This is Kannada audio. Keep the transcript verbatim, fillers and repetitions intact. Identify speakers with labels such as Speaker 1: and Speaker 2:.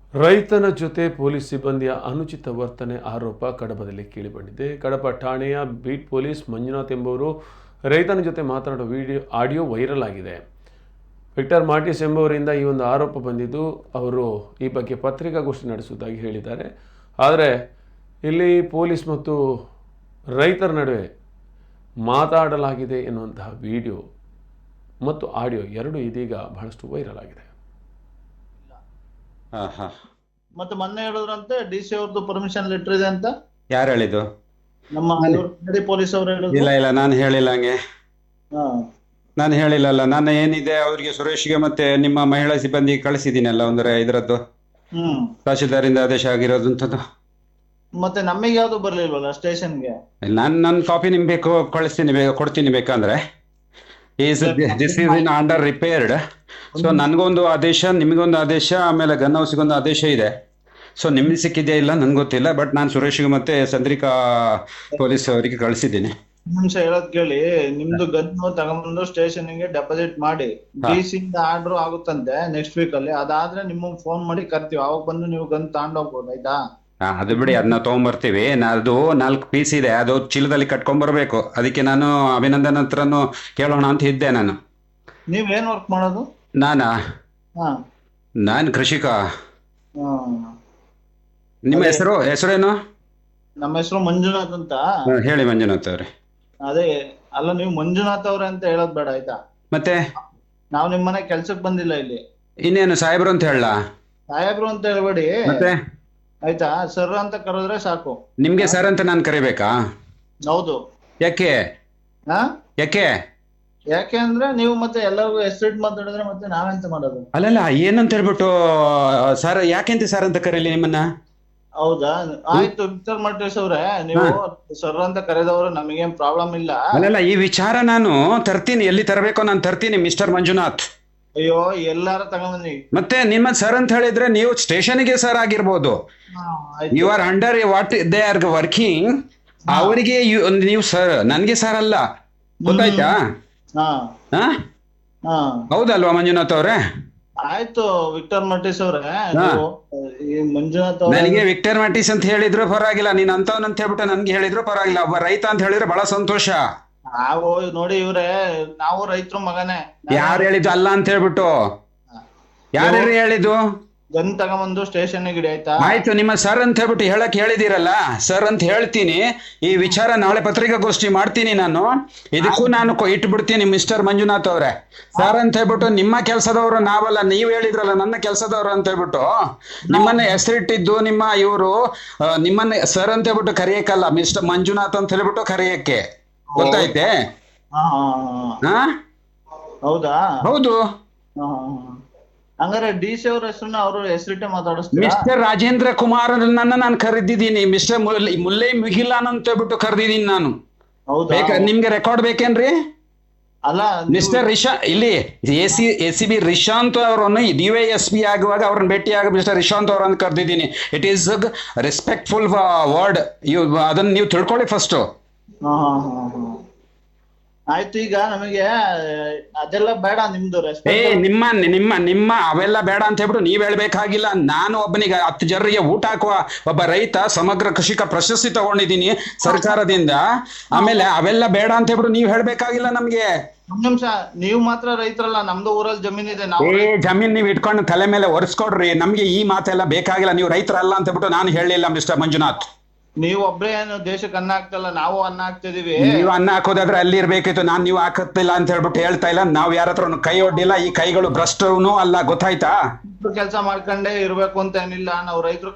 Speaker 1: ರೈತನ ಜೊತೆ ಪೊಲೀಸ್ ಸಿಬ್ಬಂದಿಯ ಅನುಚಿತ ವರ್ತನೆ ಆರೋಪ ಕಡಬದಲ್ಲಿ ಕೇಳಿಬಂದಿದೆ. ಕಡಬ ಠಾಣೆಯ ಬೀಟ್ ಪೊಲೀಸ್ ಮಂಜುನಾಥ್ ಎಂಬುವರು ರೈತನ ಜೊತೆ ಮಾತನಾಡುವ ವಿಡಿಯೋ ಆಡಿಯೋ ವೈರಲ್ ಆಗಿದೆ. ವಿಕ್ಟರ್ ಮಾರ್ಟಿಸ್ ಎಂಬುವರಿಂದ ಈ ಒಂದು ಆರೋಪ ಬಂದಿದ್ದು, ಅವರು ಈ ಬಗ್ಗೆ ಪತ್ರಿಕಾಗೋಷ್ಠಿ ನಡೆಸುವುದಾಗಿ ಹೇಳಿದ್ದಾರೆ. ಆದರೆ ಇಲ್ಲಿ ಪೊಲೀಸ್ ಮತ್ತು ರೈತರ ನಡುವೆ ಮಾತಾಡಲಾಗಿದೆ ಎನ್ನುವಂತಹ ವಿಡಿಯೋ ಮತ್ತು ಆಡಿಯೋ ಎರಡು ಇದೀಗ ಬಹಳಷ್ಟು ವೈರಲ್ ಆಗಿದೆ.
Speaker 2: ಮತ್ತೆ ಮೊನ್ನೆ ಹೇಳಿದ್ರಂತೆ ಡಿ ಸಿ ಅವ್ರದ್ದು ಪರ್ಮಿಷನ್ ಲೆಟರ್ ಇದೆ ಅಂತ.
Speaker 3: ಯಾರು ಹೇಳಿದ್ದು?
Speaker 2: ನಮ್ಮ ಪೊಲೀಸ್ ಅವರು ಹೇಳಿದ್ರು.
Speaker 3: ಇಲ್ಲ ಇಲ್ಲ ನಾನು ಹೇಳಿಲ್ಲ ಹಂಗೆ.
Speaker 2: ಹಾ
Speaker 3: ನಾನು ಹೇಳಿಲ್ಲಲ್ಲ. ನಾನು ಏನಿದೆ ಅವ್ರಿಗೆ ಸುರೇಶ್ಗೆ ಮತ್ತೆ ನಿಮ್ಮ ಮಹಿಳಾ ಸಿಬ್ಬಂದಿ ಕಳಿಸಿದ್ದೀನಲ್ಲ ಒಂದರ ಇದರದ್ದು
Speaker 2: ಹ್ಮ್
Speaker 3: ತಹಶೀಲ್ದಾರಿಂದ ಆದೇಶ ಆಗಿರೋದಂಥದ್ದು.
Speaker 2: ಮತ್ತೆ ನಮಗೆ ಯಾವ್ದು ಬರ್ಲಿಲ್ವಲ್ಲ ಸ್ಟೇಷನ್ಗೆ.
Speaker 3: ನಾನು ನನ್ನ ಕಾಪಿ ನಿಮ್ಗೆ ಬೇಕು ಕಳಿಸ್ತೀನಿ, ಬೇಗ ಕೊಡ್ತೀನಿ ಬೇಕಂದ್ರೆ. Is this is in under repaired. So ನನಗೊಂದು ಆದೇಶ, ನಿಮಗೊಂದು ಆದೇಶ, ಆಮೇಲೆ ಗನ್ ಹೌಸ್ಗೊಂದು ಆದೇಶ ಇದೆ. ಸೊ ನಿಮ್ಗೆ ಸಿಕ್ಕಿದೆಯಾ ಇಲ್ಲ ನನ್ಗೆ ಗೊತ್ತಿಲ್ಲ, ಬಟ್ ನಾನು ಸುರೇಶ್ಗೆ ಮತ್ತೆ ಚಂದ್ರಿಕಾ ಪೊಲೀಸ್ ಅವರಿಗೆ ಕಳಿಸಿದ್ದೀನಿ.
Speaker 2: ನಿಮಿಷ ಹೇಳೋದ್ ಕೇಳಿ. ನಿಮ್ದು ಗನ್ನು ತಗೊಂಡ್ಬಂದು ಸ್ಟೇಷನ್ ಗೆ ಡೆಪಾಸಿಟ್ ಮಾಡಿ ಡಿ ಸಿ ಇಂದ ಆರ್ಡರ್ ಆಗುತ್ತಂತೆ ನೆಕ್ಸ್ಟ್ ವೀಕ್ ಅಲ್ಲಿ. ಅದಾದ್ರೆ ನಿಮ್ಗೆ ಫೋನ್ ಮಾಡಿ ಕರ್ತೀವಿ, ಅವಾಗ ಬಂದು ನೀವು ಗನ್ ತಗೊಂಡೋಗ್ಬೋದು. ಆಯ್ತಾ?
Speaker 3: ಹಾ ಅದು ಬಿಡಿ, ಅದನ್ನ ತಗೊಂಡ್ಬರ್ತೀವಿ. ಅದು ನಾಲ್ಕು ಪೀಸ್ ಇದೆ, ಅದು ಚೀಲದಲ್ಲಿ ಕಟ್ಕೊಂಡ್ಬರ್ಬೇಕು. ಅದಕ್ಕೆ ನಾನು ಅಭಿನಂದನ್ ಹತ್ರನು ಕೇಳೋಣ ಅಂತ ಇದ್ದೆ. ನಾನು
Speaker 2: ನೀವ್ ಏನ್ ವರ್ಕ್ ಮಾಡೋದು?
Speaker 3: ನಾನಾ
Speaker 2: ಹಾ
Speaker 3: ನಾನು ಕೃಷಿಕ.
Speaker 2: ಹಾ
Speaker 3: ನಿಮ್ಮ ಹೆಸರು ಹೆಸರೇನು?
Speaker 2: ನಮ್ಮ ಹೆಸರು ಮಂಜುನಾಥ್ ಅಂತ.
Speaker 3: ಹಾ, ಹೇಳಿ ಮಂಜುನಾಥ್ ಅವ್ರೆ.
Speaker 2: ಅದೇ ಅಲ್ಲ, ನೀವು ಮಂಜುನಾಥ್ ಅವ್ರೆ ಅಂತ ಹೇಳೋದ್ ಬೇಡ ಆಯ್ತಾ?
Speaker 3: ಮತ್ತೆ
Speaker 2: ನಾವ್ ನಿಮ್ ಮನೆ ಕೆಲ್ಸಕ್ ಬಂದಿಲ್ಲ ಇಲ್ಲಿ.
Speaker 3: ಇನ್ನೇನು ಸಾಹೇಬ್ರು ಅಂತ ಹೇಳ?
Speaker 2: ಸಾಹೇಬ್ರು ಅಂತ ಹೇಳ್ಬೇಡಿ
Speaker 3: ಮತ್ತೆ
Speaker 2: ಆಯ್ತಾ? ಸರ್ ಅಂತ ಕರೆದ್ರೆ ಸಾಕು.
Speaker 3: ನಿಮ್ಗೆ ಸರ್ ಅಂತ ನಾನು ಕರಿಬೇಕಾ?
Speaker 2: ಹೌದು.
Speaker 3: ಯಾಕೆ
Speaker 2: ಹಾ
Speaker 3: ಯಾಕೆ
Speaker 2: ಯಾಕೆ ಅಂದ್ರೆ ನೀವು ಮತ್ತೆ ಎಲ್ಲರಿಗೂ ಹೆಸರಿಟ್ ಮಾತಾಡಿದ್ರೆ ಮತ್ತೆ ನಾವೆಂತ ಮಾಡೋದು?
Speaker 3: ಅಲ್ಲಲ್ಲ, ಏನಂತ ಹೇಳ್ಬಿಟ್ಟು ಸರ್ ಯಾಕೆಂತ ಸರ್ ಅಂತ ಕರೀಲಿ ನಿಮ್ಮನ್ನ?
Speaker 2: ಹೌದಾ? ಆಯ್ತು ವಿಕ್ಟರ್ ಮಾರ್ಟಿಸ್ ಅವ್ರೆ, ನೀವು ಸರ್ ಅಂತ ಕರೆದವ್ರು ನಮಗೇನ್ ಪ್ರಾಬ್ಲಮ್ ಇಲ್ಲ.
Speaker 3: ಅಲ್ಲಲ್ಲ, ಈ ವಿಚಾರ ನಾನು ತರ್ತೀನಿ, ಎಲ್ಲಿ ತರಬೇಕೋ ನಾನು ತರ್ತೀನಿ ಮಿಸ್ಟರ್ ಮಂಜುನಾಥ್.
Speaker 2: ಅಯ್ಯೋ ಎಲ್ಲಾರ ತಗೊಂಬನ್ನಿ.
Speaker 3: ಮತ್ತೆ ನಿಮ್ಮ ಸರ್ ಅಂತ ಹೇಳಿದ್ರೆ ನೀವು ಸ್ಟೇಷನ್ಗೆ ಸರ್ ಆಗಿರ್ಬೋದು. You are under what they are working. ಅವರಿಗೆ ನೀವು ಸರ್, ನನ್ಗೆ ಸರ್ ಅಲ್ಲ. ಗೊತ್ತಾಯ್ತಾ?
Speaker 2: ಹಾ
Speaker 3: ಹಾ
Speaker 2: ಹಾ
Speaker 3: ಹೌದಲ್ವಾ ಮಂಜುನಾಥ್ ಅವ್ರೆ?
Speaker 2: ಆಯ್ತು ವಿಕ್ಟರ್ ಮಾರ್ಟಿಸ್ ಅವ್ರೆ, ನೀವು ಈ ಮಂಜುನಾಥ್ ಅವ್ರೆ
Speaker 3: ನನಗೆ ವಿಕ್ಟರ್ ಮಾರ್ಟಿಸ್ ಅಂತ ಹೇಳಿದ್ರು ಪರವಾಗಿಲ್ಲ, ನೀನ್ ಅಂತವನ್ ಹೇಳ್ಬಿಟ್ಟು ನನ್ಗೆ ಹೇಳಿದ್ರು ಪರವಾಗಿಲ್ಲ. ಒಬ್ಬ ರೈತ ಅಂತ ಹೇಳಿದ್ರೆ ಬಹಳ ಸಂತೋಷ.
Speaker 2: ನಾವು ನೋಡಿ ಇವ್ರೆ, ನಾವು ರೈತರು ಮಗನೇ.
Speaker 3: ಯಾರು ಹೇಳಿದ್ದು ಅಲ್ಲ ಅಂತ ಹೇಳ್ಬಿಟ್ಟು? ಯಾರು ಹೇಳಿದ್ದು?
Speaker 2: ಗನ್ ತಗೊಂಬಂದು ಸ್ಟೇಷನ್ ಗಿಡಿ. ಆಯ್ತಾ?
Speaker 3: ಆಯ್ತು, ನಿಮ್ಮ ಸರ್ ಅಂತ ಹೇಳ್ಬಿಟ್ಟು ಹೇಳಕ್ ಹೇಳಿದಿರಲ್ಲ, ಸರ್ ಅಂತ ಹೇಳ್ತೀನಿ. ಈ ವಿಚಾರ ನಾಳೆ ಪತ್ರಿಕಾಗೋಷ್ಠಿ ಮಾಡ್ತೀನಿ ನಾನು. ಇದಕ್ಕೂ ನಾನು ಇಟ್ಬಿಡ್ತೀನಿ ಮಿಸ್ಟರ್ ಮಂಜುನಾಥ್ ಅವ್ರೆ. ಸರ್ ಅಂತ ಹೇಳ್ಬಿಟ್ಟು ನಿಮ್ಮ ಕೆಲಸದವರು ನಾವಲ್ಲ, ನೀವ್ ಹೇಳಿದ್ರಲ್ಲ ನನ್ನ ಕೆಲಸದವರು ಅಂತ ಹೇಳ್ಬಿಟ್ಟು ನಿಮ್ಮನ್ನ ಹೆಸರಿಟ್ಟಿದ್ದು ನಿಮ್ಮ ಇವರು ನಿಮ್ಮನ್ನ ಸರ್ ಅಂತ ಹೇಳ್ಬಿಟ್ಟು ಕರೆಯಕ್ಕಲ್ಲ, ಮಿಸ್ಟರ್ ಮಂಜುನಾಥ್ ಅಂತ ಹೇಳ್ಬಿಟ್ಟು ಕರೆಯಕ್ಕೆ. ಗೊತ್ತಾಯ್ತೆ?
Speaker 2: ಹಾ
Speaker 3: ಹಾ
Speaker 2: ಹೌದಾ?
Speaker 3: ಹೌದು.
Speaker 2: ಹಂಗಾರೆ ಡಿ ಸಿ ಅವ್ರ ಹೆಸರನ್ನ ಅವರು ಹೆಸರಿಟ್ಟೆ ಮಾತಾಡಿಸ್ತೀರಾ?
Speaker 3: ಮಿಸ್ಟರ್ ರಾಜೇಂದ್ರ ಕುಮಾರ್ ನನ್ನ ನಾನು ಕರೆದಿದ್ದೀನಿ. ಮಿಸ್ಟರ್ ಮುಲ್ಲೈ ಮುಗಿಲಾನ್ ಅಂತ ಹೇಳ್ಬಿಟ್ಟು ಕರೆದಿದ್ದೀನಿ ನಾನು.
Speaker 2: ಹೌದಾ?
Speaker 3: ಬೇಕಾ ನಿಮ್ಗೆ ರೆಕಾರ್ಡ್ ಬೇಕೇನ್ರಿ?
Speaker 2: ಅಲ್ಲ
Speaker 3: ಮಿಸ್ಟರ್ ರಿಶಾ ಇಲ್ಲಿ A C A C B Rishant ಅವರನ್ನು ಡಿ ವೈ ಎಸ್ ಪಿ ಆಗುವಾಗ ಅವ್ರನ್ನ ಭೇಟಿಯಾಗ ಮಿಸ್ಟರ್ ರಿಶಾಂತ್ ಅವರನ್ನು ಕರೆದಿದ್ದೀನಿ. It is respectful word. ಇವ್ ಅದನ್ನ ನೀವು ತಿಳ್ಕೊಳ್ಳಿ ಫಸ್ಟ್.
Speaker 2: ಹಾ ಹಾ ಹಾ ಹಾ ಆಯ್ತು. ಈಗ ನಮಗೆ ಅದೆಲ್ಲ ಬೇಡ, ನಿಮ್ದು
Speaker 3: ಏ
Speaker 2: ರೆಸ್ಪೆಕ್ಟ್.
Speaker 3: ನಿಮ್ಮ ನಿಮ್ಮ ನಿಮ್ಮ ಅವೆಲ್ಲ ಬೇಡ ಅಂತ ಹೇಳ್ಬಿಟ್ಟು ನೀವ್ ಹೇಳ್ಬೇಕಾಗಿಲ್ಲ. ನಾನು ಒಬ್ಬನಿಗೆ ಹತ್ತು ಜನರಿಗೆ ಊಟ ಹಾಕುವ ಒಬ್ಬ ರೈತ, ಸಮಗ್ರ ಕೃಷಿಕ ಪ್ರಶಸ್ತಿ ತಗೊಂಡಿದ್ದೀನಿ ಸರ್ಕಾರದಿಂದ. ಆಮೇಲೆ ಅವೆಲ್ಲ ಬೇಡ ಅಂತ ಹೇಳ್ಬಿಟ್ಟು ನೀವ್ ಹೇಳ್ಬೇಕಾಗಿಲ್ಲ ನಮ್ಗೆ.
Speaker 2: ಒಂದ್ ನಿಮಿಷ, ನೀವು ಮಾತ್ರ ರೈತರಲ್ಲ, ನಮ್ದು ಊರಲ್ಲಿ ಜಮೀನಿದೆ. ನಾವು
Speaker 3: ಏ ಜಮೀನ್ ನೀವ್ ಇಟ್ಕೊಂಡು ತಲೆ ಮೇಲೆ ಒರೆಸ್ಕೊಡ್ರಿ. ನಮ್ಗೆ ಈ ಮಾತೆಲ್ಲ ಬೇಕಾಗಿಲ್ಲ. ನೀವು ರೈತರಲ್ಲ ಅಂತ ಹೇಳ್ಬಿಟ್ಟು ನಾನು ಹೇಳಿಲ್ಲ ಮಿಸ್ಟರ್ ಮಂಜುನಾಥ್.
Speaker 2: ನೀವು ಒಬ್ರೇ ಏನು ದೇಶಕ್ಕೆ ಅನ್ನ ಹಾಕ್ತಲ್ಲ, ನಾವು ಅನ್ನ ಹಾಕ್ತಿದೀವಿ.
Speaker 3: ನೀವು ಅನ್ನ ಹಾಕೋದಾದ್ರೆ ಅಲ್ಲಿ ಇರ್ಬೇಕಿತ್ತು. ನಾನ್ ನೀವು ಹಾಕತ್ತಿಲ್ಲ ಅಂತ ಹೇಳ್ಬಿಟ್ಟು ಹೇಳ್ತಾ ಇಲ್ಲ. ನಾವ್ ಯಾರ ಹತ್ರ ಕೈ ಒಡ್ಡಿಲ್ಲ. ಈ ಕೈಗಳು ಭ್ರಷ್ಟನು ಅಲ್ಲ. ಗೊತ್ತಾಯ್ತಾ?
Speaker 2: ಕೆಲಸ ಮಾಡ್ಕೊಂಡೇ ಇರ್ಬೇಕು ಅಂತ ಏನಿಲ್ಲ. ನಾವು ರೈತರು